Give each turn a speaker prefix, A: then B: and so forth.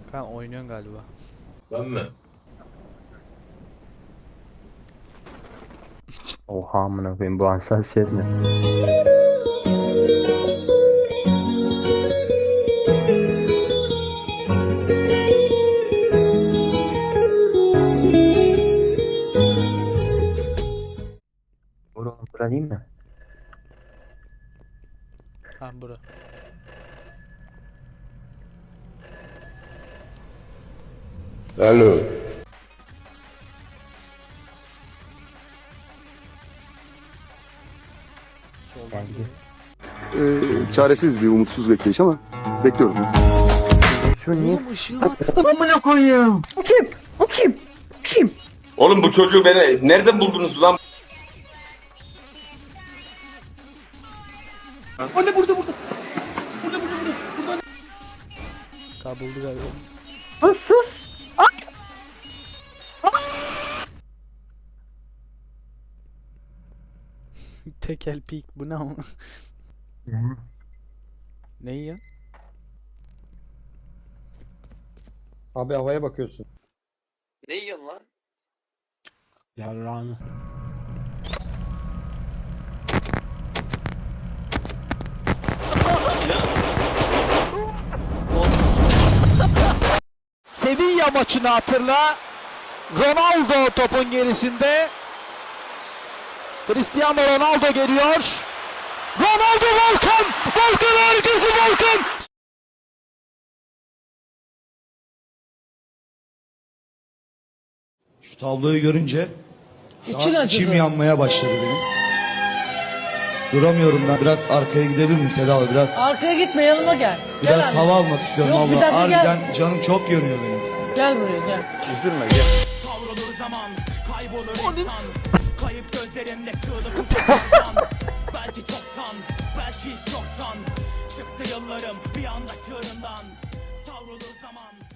A: Kan oynuyorsun galiba.
B: Ben mi?
C: Oha amına koyayım, bu hassasiyet ne? Oğlum bura değil mi?
A: Ha bura.
B: Alo.
A: Soldan
C: Geldi.
A: geliyor.
D: Çaresiz bir umutsuz bekleyiş ama bekliyorum.
C: Şu niye?
A: Oğlum ışığı var.
C: Amına koyayım. Bu kim? Bu kim? Kim?
B: Oğlum bu çocuğu beni nereden buldunuz lan?
A: Kabuldu galiba.
C: Sus sus.
A: Tekel peak bu ne ama? Ne yiyorsun?
E: Abi havaya bakıyorsun.
F: Ne yiyorsun lan?
A: Yarrağını.
G: Sevilla maçını hatırla. Ronaldo topun gerisinde. Cristiano Ronaldo geliyor. Ronaldo Volkan! Volkan harikası Volkan!
H: Şu tabloyu görünce
F: İçin acıdı.
H: içim yanmaya başladı benim. Duramıyorum ben. Biraz arkaya gidebilir miyim Seda abla? Biraz
F: Arkaya gitme, yanıma gel.
H: biraz
F: Gel abi.
H: hava almak istiyorum
F: Yok, bir
H: abla.
F: dakika, gel.
H: Harbiden canım çok yanıyor benim.
F: Gel buraya gel.
C: Üzülme gel.
G: Savrulur zaman, kaybolur insan. Kayıp gözlerinde çığlık uzaktan. Belki çoktan, belki hiç yoktan. Çıktı yıllarım bir anda çığırından. Savrulur zaman.